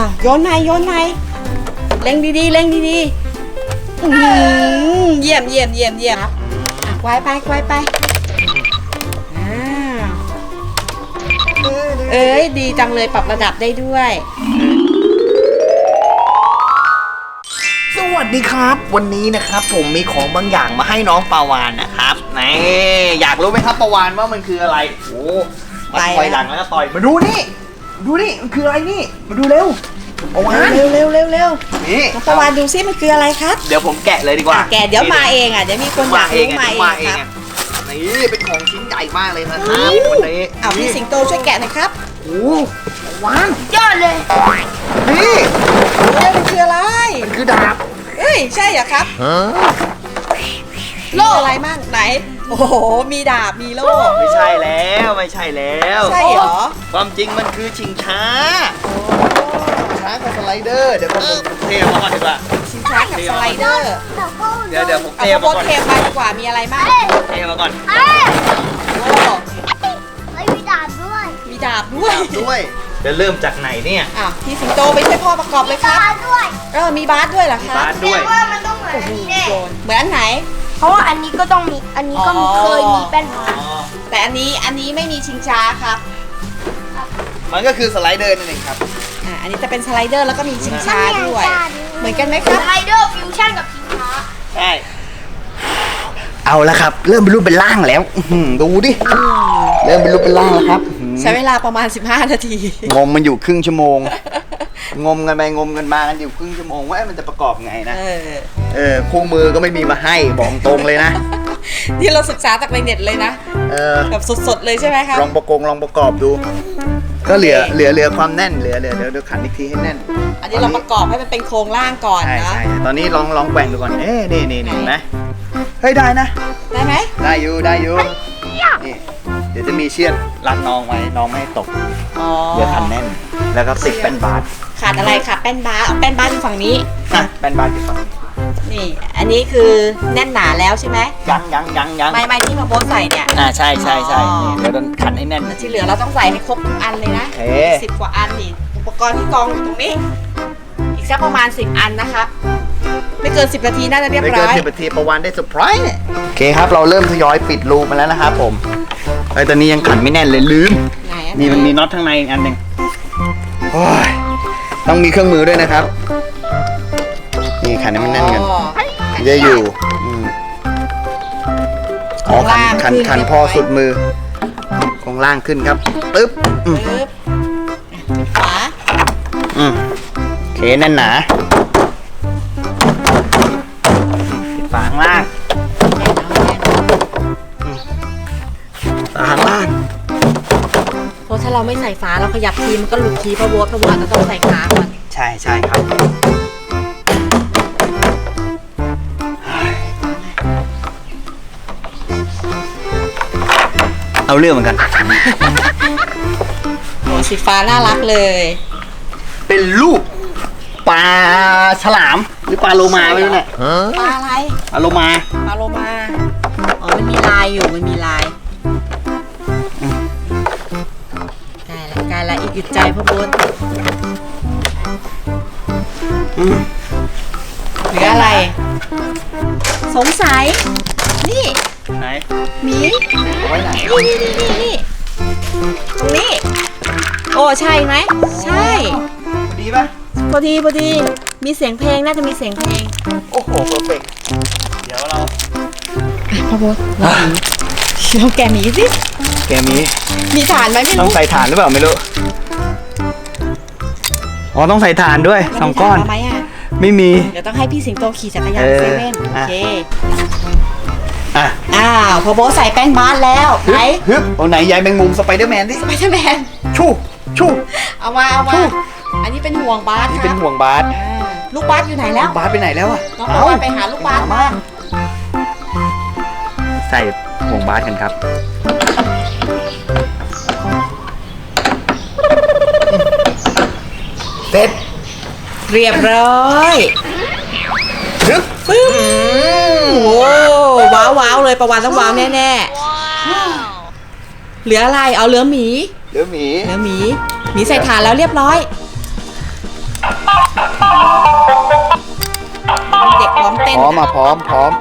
โยนไหนเล็งดีๆเยี่ยมครับไกวไปเอ้ยดีจังเลยปรับระดับได้ด้วยสวัสดีครับวันนี้นะครับผมมีของบางอย่างมาให้น้องปาวานนะครับนี่อยากรู้ไหมครับปาวานว่ามันคืออะไรโอ้มาต่อยหลังแล้วก็ต่อยมาดูนี่มันคืออะไรนี่มาดูเร็วปาวานเร็วนี่น้องปาวานดูซิมันคืออะไรครับเดี๋ยวผมแกะเลยดีกว่าแกะเดี๋ยวมาเองเดี๋ยวมีคนอยากรู้มาเองครับนี่เป็นของชิ้นใหญ่มากเลยนะครับวันนี้พี่สิงโตช่วยแกะหน่อยครับโอ้ปาวานยอดเลยนี่มันคืออะไรมันคือดาบใช่เหรอครับโล่อะไรมั่งไหนโอ้โหมีดาบมีโล่ไม่ใช่แล้วใช่เหรอความจริงมันคือชิงช้ากับสไลเดอร์เดี๋ยวผมเทมาก่อนดีกว่าชิงช้ากับสไลเดอร์เดี๋ยวผมเทมาก่อนเทมาดีกว่ามีอะไรบ้างเทมาก่อนโอ้มีดาบด้วยจะเริ่มจากไหนเนี่ยพี่สิงโตไปช่วยพ่อประกอบเลยครับมีบาสด้วยเหรอครับบาสด้วยว่ามันต้องเหมือนนี้แน่เหมือนอันไหนเพราะว่าอันนี้ก็ต้องมีอันนี้ก็เคยมีแป้นมาแต่อันนี้ไม่มีชิงช้าครับมันก็คือสไลเดอร์นั่นเองครับอันนี้จะเป็นสไลเดอร์แล้วก็มีชิงช้าด้วยเหมือนกันไหมครับสไลเดอร์ฟิวชั่นกับชิงช้าใช่เอาละครับเริ่มเป็นรูปเป็นร่างแล้วดูดิเริ่มเป็นรูปเป็นร่างแล้วครับใช้เวลาประมาณ15 นาทีงมมันอยู่ครึ่งชั่วโมงงมกันไปงมกันมากันอยู่ครึ่งชั่วโมงว่ามันจะประกอบไงนะคู่มือก็ไม่มีมาให้บอกตรงเลยนะที่เราศึกษาจากในเน็ตเลยนะแบบสดๆเลยใช่ไหมครับลองประกอบดูก็เหลือความแน่นเหลือเดี๋ยวขันอีกทีให้แน่นอันนี้เราประกอบให้มันเป็นโครงร่างก่อนนะใช่ตอนนี้ลองแกว่งดูก่อนนี่นะเฮ้ยได้นะได้ไหมได้อยู่นี่เดี๋ยวจะมีเชือกรัดน้องไว้น้องไม่ให้ตกเดี๋ยวขันแน่นแล้วก็ติดแป้นบาสขาดอะไรค่ะแป้นบาสแป้นบาสอยู่ฝั่งนี้แป้นบาสอยู่ฝั่งนี้นี่อันนี้คือแน่นหนาแล้วใช่ไหมยังไม่ที่มาโบสใส่เนี่ยใช่เดี๋ยวโดนขันให้แน่นที่เหลือเราต้องใส่ให้ครบทุกอันเลยนะ10 กว่าอันนี่อุปกรณ์ที่กองอยู่ตรงนี้อีกสักประมาณ10 อันนะครับไม่เกิน10 นาทีน่าจะเรียบร้อยไม่เกิน10 นาทีประวันได้เซอร์ไพรส์โอเคครับเราเริ่มทยอยปิดรูมาแล้วนะครับผมตอนนี้ยังขันไม่แน่นเลยลืมนี่มันมีน็อตข้างในอีกอันหนึ่งต้องมีเครื่องมือด้วยนะครับนี่ขันให้มันแน่นกันจะอยู่ขันพอสุดมือของล่างขึ้นครับปึ๊บขวาโอเคแน่นหนาฝาข้างล่างเพราะถ้าเราไม่ใส่ฝาเราขยับทีมันก็หลุดทีเพราะวัวจะต้องใส่ขาก่อนใช่ครับเอาเรื่องเหมือนกันโอ้สีฟ้าน่ารักเลยเป็นรูปปลาฉลามหรือปลาโลมาไม่รู้เนี่ยปลาอะไรปลาโลมามันมีลายอยู่มันมีลายกายละอีกหยุดใจพ่อบุญหรืออะไรสงสัยนี่ไหนหมีเอาไว้ไหนนี่ตรงนี้โอ้ใช่ไหมใช่ดีป่ะพอดีมีเสียงเพลงน่าจะมีเสียงเพลงโอ้โหเพอร์เฟกต์เดี๋ยวเราพ่อโบ๊ทลองแกะหมีสิแกะหมีถ่านไหมไม่รู้ต้องใส่ถ่านหรือเปล่าไม่รู้ต้องใส่ถ่านด้วย2 ก้อนไม่มีเดี๋ยวต้องให้พี่สิงโตขี่จักรยานเซเว่นโอเคพอโบ๊ทใส่แป้งบาสแล้วไหนเอาไหนยายแมงมุมสไปเดอร์แมนดิชูเอามาอันนี้เป็นห่วงบาสครับเป็นห่วงบาสลูกบาสอยู่ไหนแล้วบาสไปไหนแล้วน้องปาวานไปหาลูกบาสมาใส่ห่วงบาสกันครับเสร็จเรียบร้อยปึ้มโอ้ว้าวเลยประวันต้องว้าวแน่เหลืออะไรเอาเหลือหมีหมีใส่ถ่านแล้วเรียบร้อยเด็กพร้อมเต้นพร้อมมาพร้อม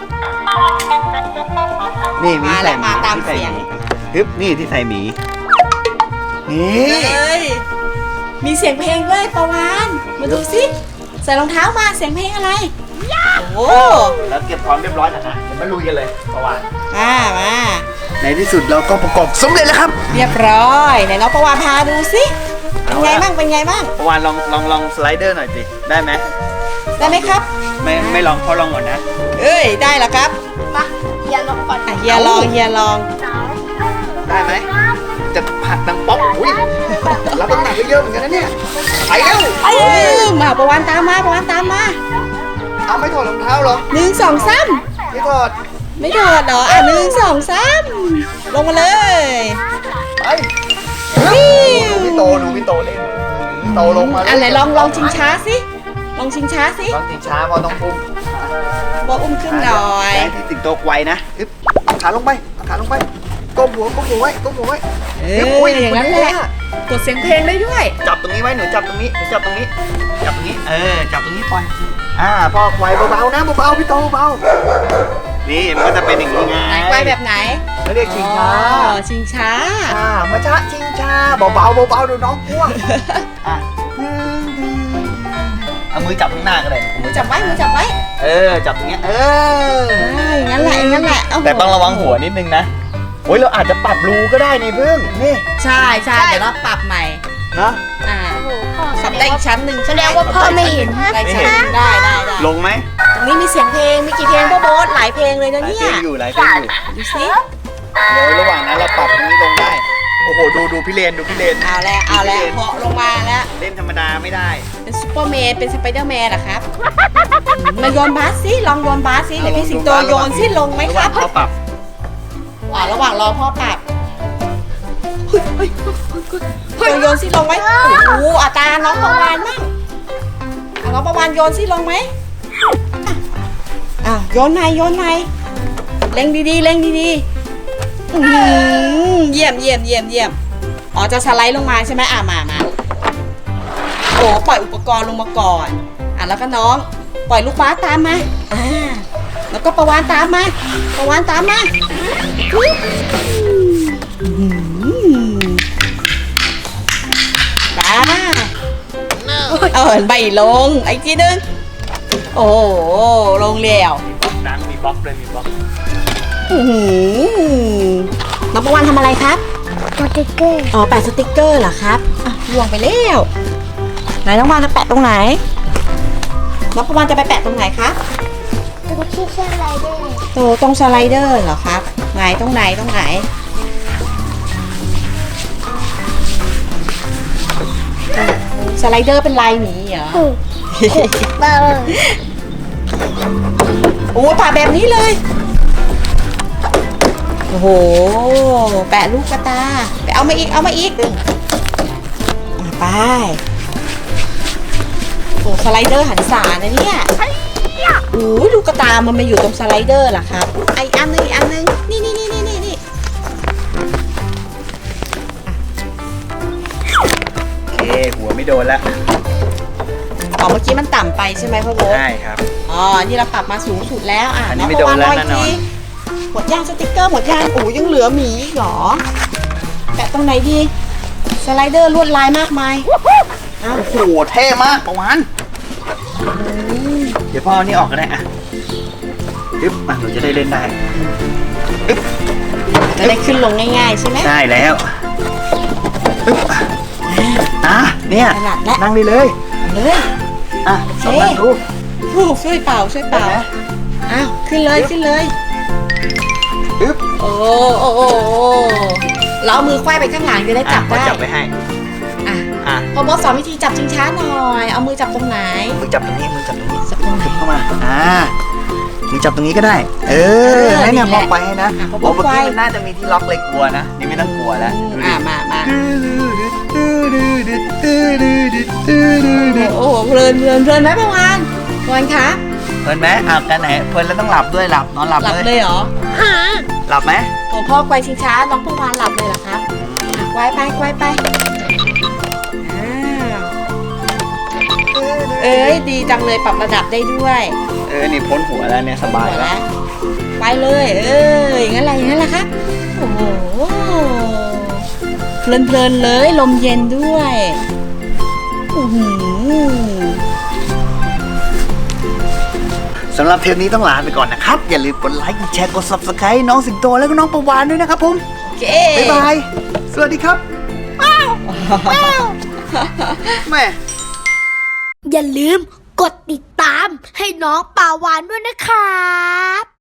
นี่มีมาใส่แล้วหมาตามที่ใเสียงฮึบนี่ที่ใส่หมีนี่เฮ้ยมีเสียงเพลงด้วยประวานมาดูสิใส่รองเท้ามาเสียงเพลงอะไรโอ้แล้วเก็บพร้อมเรียบร้อยแล้วนะเดี๋ยวมาลุยกันเลยประวานมาในที่สุดเราก็ประกอบสำเร็จแล้วครับเรียบร้อยไหนน้องประวานพาดูสิเป็นไงบ้างเป็นไงบ้างประวานลองสไลเดอร์หน่อยสิได้ไหมได้ไหมครับไม่ลองเพราะลองก่อนนะเอ้ยได้แล้วครับมาอย่าลงก่อนอ่ะเฮียลองได้ไหมจะผัดดังป๊อกอุ้ยรับน้ำหนักเยอะๆเหมือนกันนะเนี่ยไปเร็วมาประวานตามมาเอาไม่ถอดรองเท้าเหรอ 1 2 3 ไม่ถอดไม่ถอดเหรอ1 2 3ลงมาเลยไปดูพี่โตเล่นโตลงมาอันไหนลองชิงช้าสิลองชิงช้าสิลองชิงช้าพอต้องพุ่มบออุ้มขึ้นหน่อยให้พี่สิงโตไวนะอึ๊บเอาขาลงไปก้มหัวไว้อย่างนั้นแหละกดเสียงเพลงได้ด้วยจับตรงนี้ไว้หนูจับตรงนี้จับตรงนี้จับตรงนี้ปล่อยพ่อไวเบาๆนะเบาๆพี่โตเบานี่มันก็จะเป็นอย่างนี้ไงไหนไกวแบบไหนเขาเรียกชิงช้าอ๋อชิงช้ามาช้าชิงช้าเบาๆดูน้องกลัวเอามือจับข้างหน้าก็ได้มือจับไว้จับตรงเนี้ยอย่างนั้นแหละโโหแต่ต้องระวังหัวนิดนึงนะโอ้ยเราอาจจะปรับรูก็ได้นี่พึ่งนี่ใช่เดี๋ยวเราปรับใหม่นะโอ้โหพ่อปรับได้อีกชั้นหนึ่งแสดงว่าพ่อไม่เห็นได้ชั้นหนึ่งได้ลงไหมตรงนี้มีเสียงเพลงมีกี่เพลงโบ๊ทหลายเพลงเลยนะหลายเนี่เพลยงอยู่ดูสิเดี๋ยวระหว่างนั้นเราปรับตรงนี้ลงได้โอ้โหดูพี่เลนเอาแล้วเหาะลงมาแล้วเล่นธรรมดาไม่ได้เป็นซูเปอร์แมนเป็นสไปเดอร์แมนเหรอครับมาโยนบาสสิลองโยนบาสสิเดี๋ยวพี่สิงโตโยนสิลงไหมครับเขาปรับระหว่างรอพ่อปรับโยนสิลงไหมโอ้โหอาตาน้องประวานมั่งน้องประวานโยนสิลงไหมโยนไหนเล็งดีเยี่ยมอ๋อจะสไลด์ลงมาใช่ไหมมาโอ้ปล่อยอุปกรณ์ลงมาก่อนแล้วก็น้องปล่อยลูกบาสตามมาแล้วก็ประวานตามมาไม่ลงไอ้ทีนึงโอ้ลงแล้วหนังมีบล็อกเลยมีบล็อกน้องประวานทำอะไรครับสติ๊กเกอร์แปะสติกเกอร์เหรอครับล่วงไปแล้วไหนน้องประวานจะแปะตรงไหนน้องประวานจะไปแปะตรงไหนครับตรงที่สไลเดอร์ตรงสไลเดอร์เหรอครับไหนตรงไหนสไลเดอร์เป็นลายหมีเหรอเบาโอ้ปะแบบนี้เลยโอ้โหแปะลูกกระตาไปเอามาอีกไปโอ้สไลเดอร์หันษานะเนี่ยโอ้ลูกกระตามันมาอยู่ตรงสไลเดอร์เหรอครับไออันนึงนี่โอเคหัวไม่โดนแล้วเมื่อกี้มันต่ำไปใช่ไหมพ่อโบ๊ทใช่ครับนี่เราปรับมาสูงสุดแล้วอันนี้ไม่โดนแล้วแน่นอนหมดย่างสติ๊กเกอร์หมดย่างยังเหลือหมีอีกเหรอแปะตรงไหนดีสไลเดอร์ลวดลายมากมายโอ้โหเท่มากประวานเดี๋ยวพ่อเอานี่ออกก็ได้อึ๊บหนูจะได้เล่นได้อึ๊บจะได้ขึ้นลงง่ายๆใช่ไหมได้แล้วอึ๊บเนี่ยขนาดและนั่งได้เลยเลยลองนั่งดูช่วยเป่าขึ้นเลยอึ๊บโอ้เราเอามือควายไปข้างหลังจะได้จับได้จับไว้ให้พอโบ๊ทสอนวิธีจับชิงช้าหน่อยเอามือจับตรงไหนมือจับตรงนี้จับตรงไหนเข้ามามือจับตรงนี้ก็ได้ให้เนี่ยพ่อไปให้นะเมื่อกี้มันน่าจะมีที่ล็อกเลยกลัวนะนี่ไม่ต้องกลัวแล้วมาโอ้โหเพลินไหมประวานคะเพลินไหมกันไหนเพลินแล้วต้องหลับด้วยนอนหลับเลยเหรอหลับไหมของพ่อควายชิงช้าน้องประวานหลับเลยเหรอครับควายไปเอ้ยดีจังเลยปรับระดับได้ด้วยนี่พ้นหัวแล้วเนี่ยสบายหัวแล้วแล้วไปเลยอย่างนั้นอะไรอย่างนั้นแหละครับโอ้โหเพลินๆเลยลมเย็นด้วยอื้อหือสำหรับเทปนี้ต้องลาไปก่อนนะครับ อย่าลืมกดไลค์ กดแชร์ กด Subscribe น้องสิงโตแล้วก็น้องประวานด้วยนะครับผมโอเคบ๊ายบาย สวัสดีครับ แม่อย่าลืมกดติดตามให้น้องปาวานด้วยนะครับ